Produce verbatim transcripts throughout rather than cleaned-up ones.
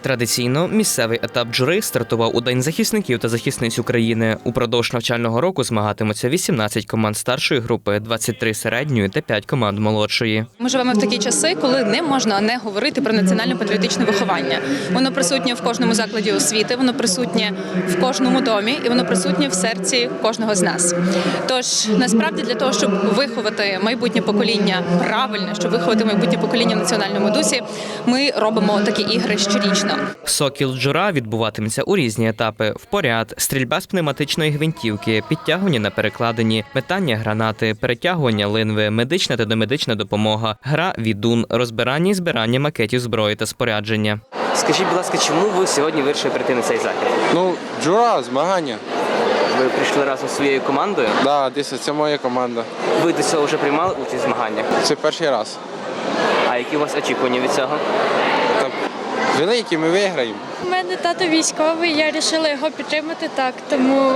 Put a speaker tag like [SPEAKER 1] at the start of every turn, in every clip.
[SPEAKER 1] Традиційно місцевий етап жури стартував у День захисників та захисниць України. Упродовж навчального року змагатимуться вісімнадцять команд старшої групи, двадцять три середньої та п'ять команд молодшої.
[SPEAKER 2] Ми живемо в такі часи, коли не можна не говорити про національно-патріотичне виховання. Воно присутнє в кожному закладі освіти, воно присутнє в кожному домі і воно присутнє в серці кожного з нас. Тож, насправді, для того, щоб виховати майбутнє покоління правильно, щоб виховати майбутнє покоління в національному дусі, ми робимо такі ігри щорічно.
[SPEAKER 1] Сокіл Джура відбуватиметься у різні етапи: впоряд, стрільба з пневматичної гвинтівки, підтягування на перекладині, метання гранати, перетягування линви, медична та домедична допомога, гра відун, розбирання і збирання макетів зброї та спорядження.
[SPEAKER 3] Скажіть, будь ласка, чому ви сьогодні вирішили прийти на цей захід?
[SPEAKER 4] Ну, джура, змагання.
[SPEAKER 3] Ви прийшли разом зі своєю командою?
[SPEAKER 4] Так, да, десь це моя команда.
[SPEAKER 3] Ви до цього вже приймали участь в змаганнях?
[SPEAKER 4] Це перший раз.
[SPEAKER 3] А які у вас очікування від цього?
[SPEAKER 4] Та великі, ми виграємо.
[SPEAKER 5] У мене тато військовий, я вирішила його підтримати так, тому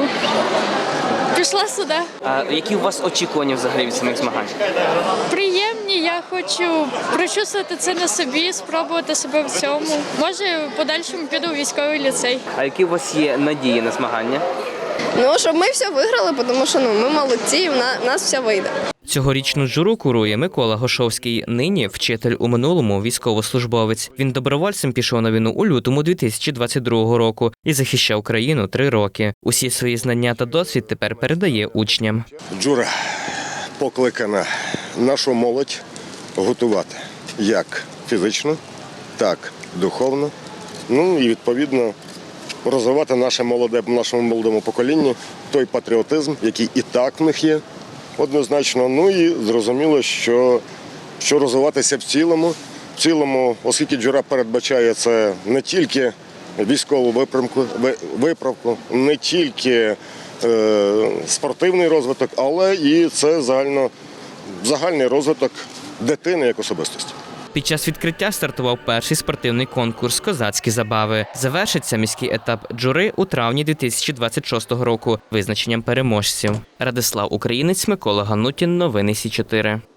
[SPEAKER 5] пішла сюди.
[SPEAKER 3] А які у вас очікування взагалі від самих змагань?
[SPEAKER 5] Приємні, я хочу прочувствувати це на собі, спробувати себе в цьому. Може, в подальшому піду у військовий ліцей.
[SPEAKER 3] А які у вас є надії на змагання?
[SPEAKER 6] Ну, щоб ми все виграли, тому що ну, ми молодці, і в нас все вийде.
[SPEAKER 1] Цьогорічну журу курує Микола Гошовський. Нині вчитель, у минулому військовослужбовець. Він добровольцем пішов на війну у лютому дві тисячі двадцять другого року і захищав країну три роки. Усі свої знання та досвід тепер передає учням.
[SPEAKER 7] Джура покликана нашу молодь готувати як фізично, так і духовно. Ну і відповідно розвивати наше молоде, нашому молодому поколінню той патріотизм, який і так в них є. Однозначно, ну і зрозуміло, що, що розвиватися в цілому, в цілому, оскільки джура передбачає це не тільки військову виправку, виправку не тільки е, спортивний розвиток, але і це загально, загальний розвиток дитини як особистості.
[SPEAKER 1] Під час відкриття стартував перший спортивний конкурс «Козацькі забави». Завершиться міський етап джури у травні дві тисячі двадцять шостого року визначенням переможців. Радислав Українець, Микола Ганутін. Новини Сі чотири.